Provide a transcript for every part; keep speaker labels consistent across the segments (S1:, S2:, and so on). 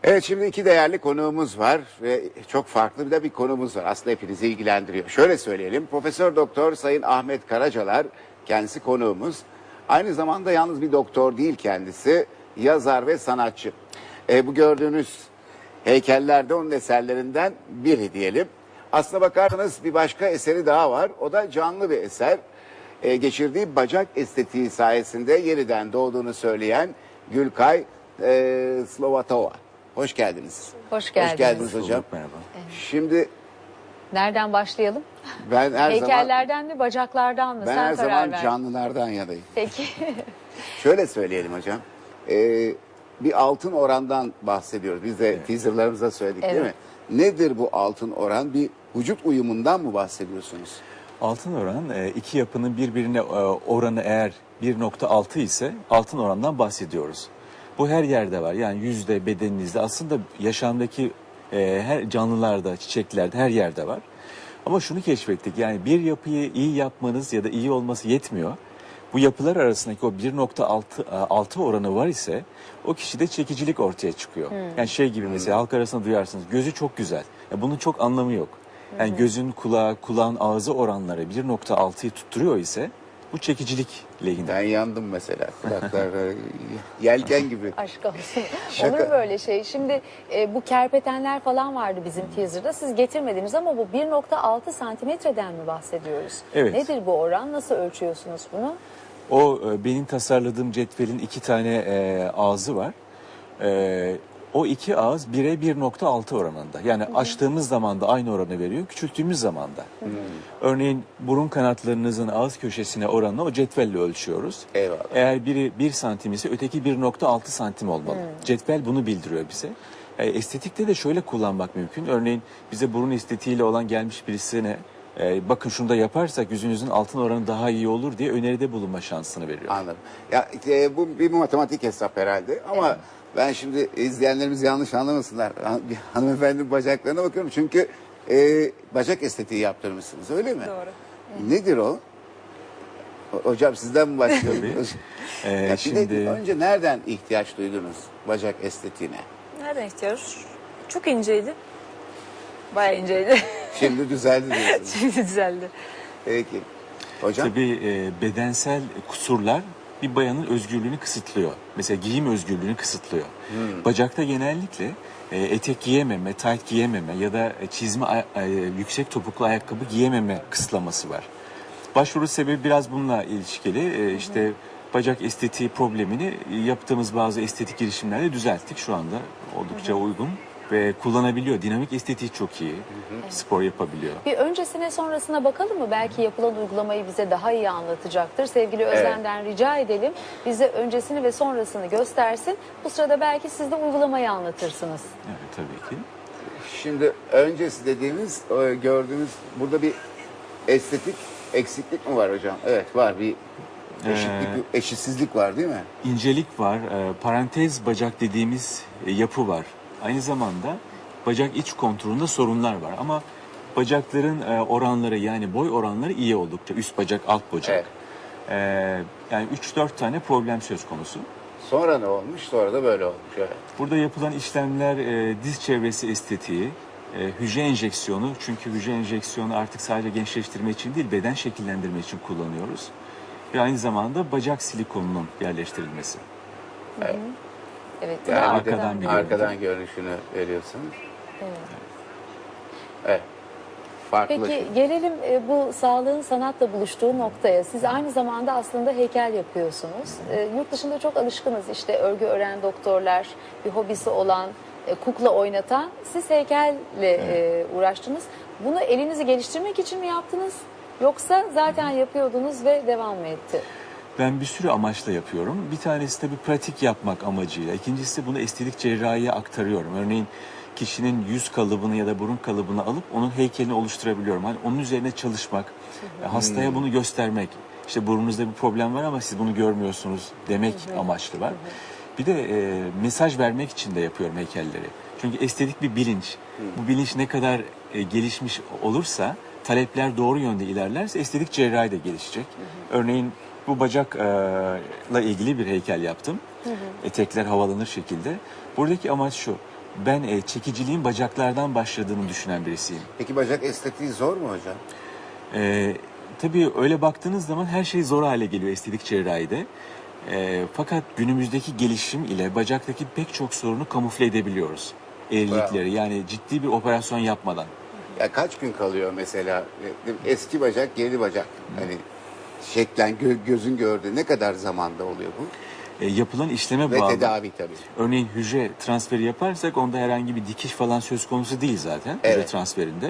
S1: Evet, şimdi iki değerli konuğumuz var ve çok farklı bir konuğumuz var. Aslında hepinizi ilgilendiriyor. Şöyle söyleyelim. Profesör Doktor Sayın Ahmet Karacalar kendisi konuğumuz. Aynı zamanda yalnız bir doktor değil kendisi. Yazar ve sanatçı. Bu gördüğünüz heykeller de onun eserlerinden biri diyelim. Aslına bakarsanız bir başka eseri daha var. O da canlı bir eser. Geçirdiği bacak estetiği sayesinde yeniden doğduğunu söyleyen Gülkay Slovatova. Hoş geldiniz.
S2: Hoş geldiniz.
S1: Hoş geldiniz hocam.
S3: Merhaba.
S2: Evet.
S1: Şimdi
S2: Nereden başlayalım?
S1: ben her
S2: Heykellerden mi, bacaklardan mı?
S1: ben
S2: Sen
S1: her
S2: karar
S1: zaman
S2: ver.
S1: canlılardan yanayım.
S2: Peki.
S1: Şöyle söyleyelim hocam. Bir altın orandan bahsediyoruz. Biz de teaserlarımızda söyledik değil mi? Nedir bu altın oran? Bir vücut uyumundan mı bahsediyorsunuz?
S3: Altın oran iki yapının birbirine oranı eğer 1.6 ise altın orandan bahsediyoruz. Bu her yerde var. Yani yüzde, bedeninizde, aslında yaşamdaki her canlılarda, çiçeklerde, her yerde var. Ama şunu keşfettik, yani bir yapıyı iyi yapmanız ya da iyi olması yetmiyor. Bu yapılar arasındaki o 1.6 oranı var ise o kişide çekicilik ortaya çıkıyor. Yani şey gibi mesela halk arasında duyarsınız, gözü çok güzel. Ya bunun çok anlamı yok. Yani gözün kulağı, kulağın ağzı oranları 1.6'yı tutturuyor ise bu çekicilik lehine.
S1: Ben yandım mesela. Kulaklar yelken gibi.
S2: Aşk olsun.
S1: Şaka.
S2: Olur mu böyle şey? Şimdi bu kerpetenler falan vardı bizim teaser'da. Siz getirmediniz ama bu 1.6 santimetreden mi bahsediyoruz?
S3: Evet.
S2: Nedir bu oran? Nasıl ölçüyorsunuz bunu?
S3: O benim tasarladığım cetvelin iki tane ağzı var. O iki ağız 1'e 1.6 oranında. Yani açtığımız zaman da aynı oranı veriyor, küçülttüğümüz zaman da. Örneğin burun kanatlarınızın ağız köşesine oranını o cetvelle ölçüyoruz.
S1: Eyvallah.
S3: Eğer biri 1 santim ise öteki 1.6 santim olmalı. Cetvel bunu bildiriyor bize. Estetikte de şöyle kullanmak mümkün. Örneğin bize burun estetiğiyle olan gelmiş birisine bakın şunu da yaparsak yüzünüzün altın oranı daha iyi olur diye öneride bulunma şansını veriyor.
S1: Anladım. Ya bu bir matematik hesap herhalde ama ben şimdi izleyenlerimiz yanlış anlamasınlar. Hanımefendinin bacaklarına bakıyorum çünkü bacak estetiği yaptırmışsınız, öyle mi?
S2: Doğru.
S1: Nedir o? Hocam sizden mi başlıyoruz? Ya
S3: Şimdi
S1: önce nereden ihtiyaç duydunuz bacak estetiğine?
S4: Nereden ihtiyaç? Çok inceydi. Bayağı inceydi.
S1: Şimdi düzeldi diyorsunuz.
S4: Şimdi düzeldi.
S1: Peki. Hocam?
S3: tabii bedensel kusurlar bir bayanın özgürlüğünü kısıtlıyor. Mesela giyim özgürlüğünü kısıtlıyor. Bacakta genellikle etek giyememe, tayt giyememe ya da çizme, yüksek topuklu ayakkabı giyememe kısıtlaması var. Başvuru sebebi biraz bununla ilişkili. İşte bacak estetiği problemini yaptığımız bazı estetik girişimlerle düzelttik. Şu anda oldukça uygun ve kullanabiliyor. Dinamik estetiği çok iyi. Spor yapabiliyor.
S2: Bir öncesine sonrasına bakalım mı? Belki yapılan uygulamayı bize daha iyi anlatacaktır. Sevgili Özlem'den rica edelim. Bize öncesini ve sonrasını göstersin. Bu sırada belki siz de uygulamayı anlatırsınız.
S3: Evet, tabii ki.
S1: Şimdi öncesi dediğimiz gördüğümüz burada bir estetik eksiklik mi var hocam? Evet, var, bir eşitsizlik var değil mi?
S3: İncelik var, parantez bacak dediğimiz yapı var. Aynı zamanda bacak iç konturunda sorunlar var ama bacakların oranları, yani boy oranları iyi oldukça. Üst bacak, alt bacak. Yani 3-4 tane problem söz konusu.
S1: Sonra ne olmuş? Sonra da böyle olmuş. Evet.
S3: Burada yapılan işlemler diz çevresi estetiği, hücre enjeksiyonu. Çünkü hücre enjeksiyonu artık sadece gençleştirme için değil, beden şekillendirme için kullanıyoruz. Ve aynı zamanda bacak silikonunun yerleştirilmesi.
S2: Evet.
S1: Yani
S3: arkadan bir
S1: arkadan görünüşünü veriyorsunuz.
S2: Evet.
S1: Evet. Farklı.
S2: Peki gelelim bu sağlığın sanatla buluştuğu noktaya. Siz aynı zamanda aslında heykel yapıyorsunuz. Yurt dışında çok alışkınız, işte örgü ören doktorlar, bir hobisi olan, kukla oynatan. Siz heykelle uğraştınız. Bunu elinizi geliştirmek için mi yaptınız? Yoksa zaten yapıyordunuz ve devam mı etti?
S3: Ben bir sürü amaçla yapıyorum. Bir tanesi de bir pratik yapmak amacıyla. İkincisi bunu estetik cerrahiye aktarıyorum. Örneğin kişinin yüz kalıbını ya da burun kalıbını alıp onun heykelini oluşturabiliyorum. Hani onun üzerine çalışmak, hastaya bunu göstermek. İşte burnunuzda bir problem var ama siz bunu görmüyorsunuz demek amaçlı var. Bir de mesaj vermek için de yapıyorum heykelleri. Çünkü estetik bir bilinç. Bu bilinç ne kadar gelişmiş olursa, talepler doğru yönde ilerlerse estetik cerrahi de gelişecek. Örneğin bu bacakla ilgili bir heykel yaptım. Etekler havalanır şekilde. Buradaki amaç şu: ben çekiciliğin bacaklardan başladığını düşünen birisiyim.
S1: Peki bacak estetiği zor mu hocam?
S3: Tabii öyle baktığınız zaman her şey zor hale geliyor estetik cerrahide. Fakat günümüzdeki gelişim ile bacaktaki pek çok sorunu kamufle edebiliyoruz. Eğrilikleri, yani ciddi bir operasyon yapmadan.
S1: Ya kaç gün kalıyor mesela eski bacak, yeni bacak? Hani şeklen gözün gördüğü ne kadar zamanda oluyor bu?
S3: Yapılan işleme
S1: Ve
S3: bağlı.
S1: tedavi tabii.
S3: Örneğin hücre transferi yaparsak onda herhangi bir dikiş falan söz konusu değil zaten hücre
S1: Evet.
S3: transferinde.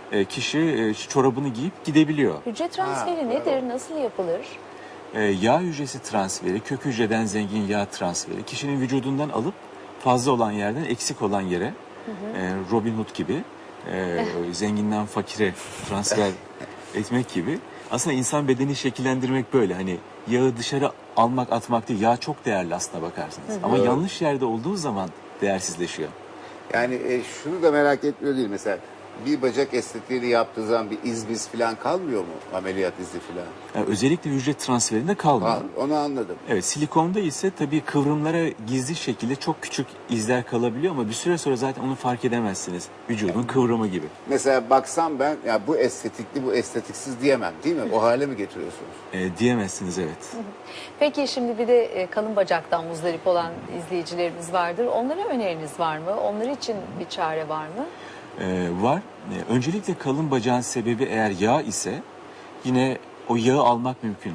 S3: Kişi çorabını giyip gidebiliyor.
S2: Hücre transferi
S1: Ha,
S2: nedir? Nasıl yapılır?
S3: Yağ hücresi transferi, kök hücreden zengin yağ transferi, kişinin vücudundan alıp fazla olan yerden eksik olan yere, Robin Hood gibi, zenginden fakire transfer etmek gibi. Aslında insan bedeni şekillendirmek böyle, hani yağı dışarı almak, atmak değil. Yağ çok değerli aslına bakarsanız. Ama
S1: Doğru.
S3: yanlış yerde olduğu zaman değersizleşiyor.
S1: Yani şunu da merak etmiyor değil mesela bir bacak estetiğini yaptığı zaman bir iz falan kalmıyor mu? Ameliyat izi falan.
S3: Yani özellikle hücre transferinde kalmıyor.
S1: Onu anladım.
S3: Evet, silikonda ise tabii kıvrımlara gizli şekilde çok küçük izler kalabiliyor ama bir süre sonra zaten onu fark edemezsiniz. Vücudun kıvrımı gibi.
S1: Mesela baksam ben ya bu estetikli bu estetiksiz diyemem değil mi? O hale mi getiriyorsunuz?
S3: Diyemezsiniz, evet.
S2: Peki şimdi bir de kalın bacaktan muzdarip olan izleyicilerimiz vardır. Onlara öneriniz var mı? Onlar için bir çare var mı?
S3: Var. Öncelikle kalın bacağın sebebi eğer yağ ise yine o yağı almak mümkün.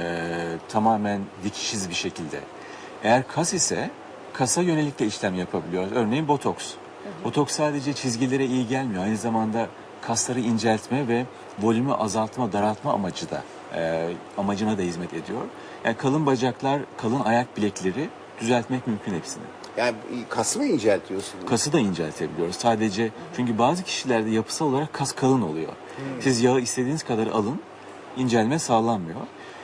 S3: Tamamen dikişsiz bir şekilde. Eğer kas ise kasa yönelik de işlem yapabiliyoruz. Örneğin botoks. Botoks sadece çizgilere iyi gelmiyor. Aynı zamanda kasları inceltme ve volümü azaltma, daraltma amacına da hizmet ediyor. Yani kalın bacaklar, kalın ayak bilekleri düzeltmek mümkün hepsini.
S1: Yani kas mı inceltiyorsunuz?
S3: Kası da inceltebiliyoruz. Sadece çünkü bazı kişilerde yapısal olarak kas kalın oluyor. Siz yağı istediğiniz kadar alın, incelme sağlanmıyor.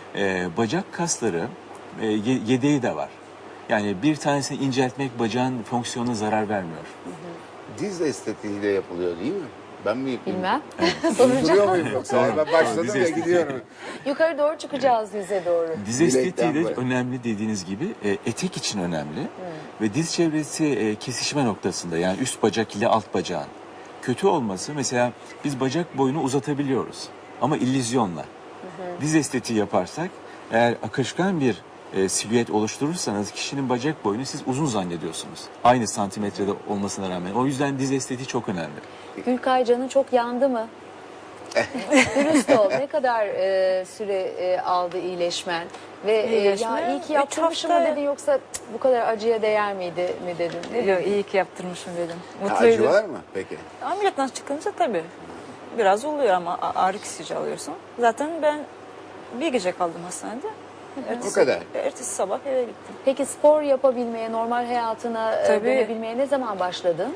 S3: Bacak kasları yedeği de var. Yani bir tanesini inceltmek bacağın fonksiyonuna zarar vermiyor.
S1: Diz estetiği de yapılıyor değil mi? Ben mi yapayım?
S2: Bilmem.
S1: Duruyor
S2: Soracağım.
S1: muyum yoksa? Ben başladım
S3: Diz
S1: ya
S3: estetiği.
S1: gidiyorum.
S2: Yukarı doğru çıkacağız yüze doğru.
S3: Diz
S1: Bilekten
S3: estetiği de
S1: böyle.
S3: önemli dediğiniz gibi etek için önemli. Ve diz çevresi kesişme noktasında, yani üst bacak ile alt bacağın kötü olması, mesela biz bacak boyunu uzatabiliyoruz ama illüzyonla. Diz estetiği yaparsak eğer akışkan bir silüet oluşturursanız kişinin bacak boyunu siz uzun zannediyorsunuz. Aynı santimetrede olmasına rağmen. O yüzden diz estetiği çok önemli.
S2: Gülkay canın çok yandı mı? Dürüst ol. Ne kadar süre aldı iyileşmen? Ve
S4: İyileşme,
S2: ya iyi ki
S4: 3
S2: yaptırmışım mı
S4: hafta.
S2: dedin yoksa "Cık, bu kadar acıya değer miydi mi dedin? Ne
S4: Yok,
S2: dedin?
S4: iyi ki yaptırmışım dedim.
S1: Acı
S4: Mutluydum.
S1: var mı peki?
S4: Ameliyattan çıkınca tabii biraz oluyor ama ağrı kesici alıyorsun. Zaten ben bir gece kaldım hastanede.
S1: O kadar.
S4: Ertesi sabah eve gittim.
S2: Peki spor yapabilmeye, normal hayatına
S4: Tabii.
S2: dönebilmeye ne zaman başladın?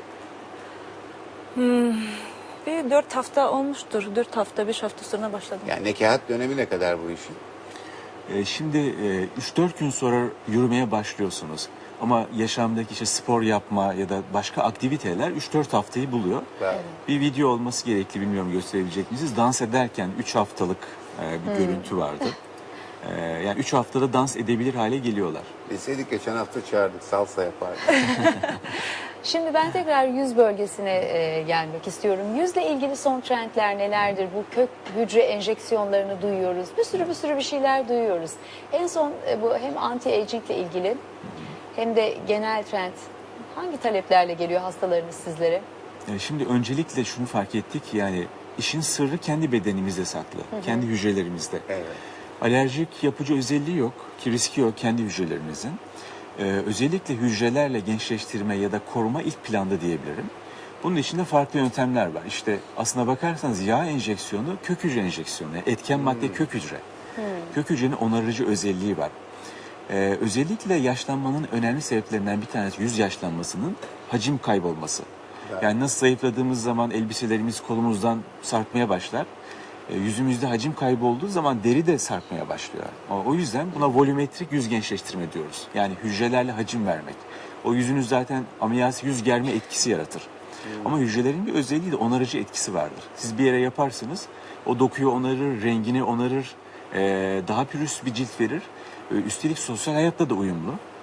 S4: Bir 4 hafta olmuştur. 4 hafta, 5 hafta sonra başladım.
S1: Yani nekahat dönemi ne kadar bu işin?
S3: Şimdi 3-4 gün sonra yürümeye başlıyorsunuz. Ama yaşamdaki işte spor yapma ya da başka aktiviteler 3-4 haftayı buluyor.
S1: Bravo.
S3: Bir video olması gerekli, bilmiyorum gösterebilecek misiniz? Dans ederken 3 haftalık bir görüntü vardı. Yani 3 haftada dans edebilir hale geliyorlar.
S1: Bilseydik geçen hafta çağırdık salsa yapardık.
S2: Şimdi ben tekrar yüz bölgesine gelmek istiyorum. Yüzle ilgili son trendler nelerdir? Bu kök hücre enjeksiyonlarını duyuyoruz. Bir sürü bir şeyler duyuyoruz. En son bu hem anti-aging ile ilgili hem de genel trend hangi taleplerle geliyor hastalarınız sizlere?
S3: Şimdi öncelikle şunu fark ettik ki, yani işin sırrı kendi bedenimizde saklı. Kendi hücrelerimizde.
S1: Evet.
S3: Alerjik yapıcı özelliği yok ki riski yok kendi hücrelerimizin. Özellikle hücrelerle gençleştirme ya da koruma ilk planda diyebilirim. Bunun içinde farklı yöntemler var. İşte aslına bakarsanız yağ enjeksiyonu kök hücre enjeksiyonu. Etken madde kök hücre. Kök hücrenin onarıcı özelliği var. Özellikle yaşlanmanın önemli sebeplerinden bir tanesi yüz yaşlanmasının hacim kaybolması. Yani nasıl zayıfladığımız zaman elbiselerimiz kolumuzdan sarkmaya başlar. Yüzümüzde hacim kaybı olduğu zaman deri de sarkmaya başlıyor. O yüzden buna volümetrik yüz gençleştirme diyoruz. Yani hücrelerle hacim vermek. O yüzünüz zaten ameliyat yüz germe etkisi yaratır. Ama hücrelerin bir özelliği de onarıcı etkisi vardır. Siz bir yere yaparsınız, o dokuyu onarır, rengini onarır, daha pürüz bir cilt verir. Üstelik sosyal hayatta da uyumlu.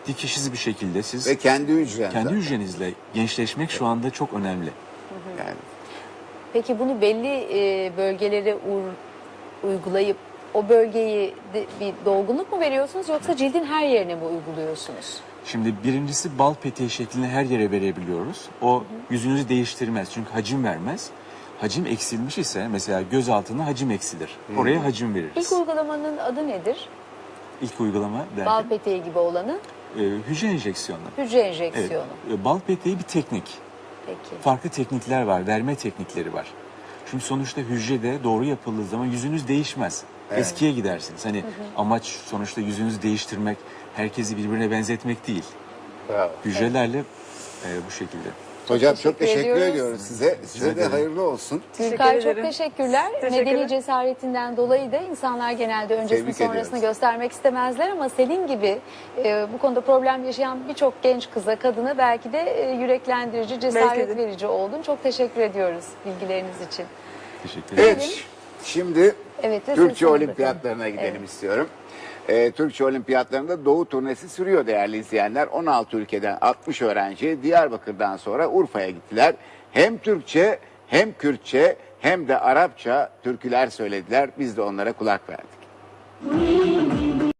S3: dikişsiz bir şekilde siz
S1: Ve kendi hücren.
S3: kendi
S1: zaten.
S3: hücrenizle gençleşmek şu anda çok önemli.
S1: Yani.
S2: Peki bunu belli bölgelere uygulayıp o bölgeyi bir dolgunluk mu veriyorsunuz yoksa cildin her yerine mi uyguluyorsunuz?
S3: Şimdi birincisi bal peteği şeklinde her yere verebiliyoruz. O yüzünüzü değiştirmez çünkü hacim vermez. Hacim eksilmiş ise mesela göz altına hacim eksilir. Oraya hacim veririz.
S2: İlk uygulamanın adı nedir?
S3: İlk uygulama
S2: Bal
S3: derken
S2: peteği gibi olanı
S3: hücre enjeksiyonu.
S2: hücre
S3: Evet,
S2: enjeksiyonu.
S3: bal peteği bir teknik.
S2: Peki.
S3: Farklı teknikler var, verme teknikleri var. Çünkü sonuçta hücrede doğru yapıldığı zaman yüzünüz değişmez. Eskiye gidersiniz. Hani amaç sonuçta yüzünüzü değiştirmek, herkesi birbirine benzetmek değil.
S1: Bravo.
S3: Hücrelerle bu şekilde.
S1: Hocam
S2: teşekkür
S1: çok teşekkür
S2: ediyoruz.
S1: ediyoruz size. Size de
S3: ederim.
S1: hayırlı olsun.
S2: Gülkay çok
S4: ederim.
S2: teşekkürler.
S4: Teşekkürler.
S2: Medeni cesaretinden dolayı da insanlar genelde öncesini
S1: Tebrik
S2: sonrasını
S1: ediyoruz.
S2: göstermek istemezler ama senin gibi bu konuda problem yaşayan birçok genç kıza, kadına belki de yüreklendirici, cesaret
S4: Belki de.
S2: verici oldun. Çok teşekkür ediyoruz bilgileriniz için.
S3: Teşekkür ederim.
S1: Evet. Şimdi
S2: Evet, ve
S1: Türkçe
S2: sözünü
S1: olimpiyatlarına gidelim
S2: Evet.
S1: istiyorum. Türkçe olimpiyatlarında Doğu turnesi sürüyor değerli izleyenler. 16 ülkeden 60 öğrenci Diyarbakır'dan sonra Urfa'ya gittiler. Hem Türkçe hem Kürtçe hem de Arapça türküler söylediler. Biz de onlara kulak verdik.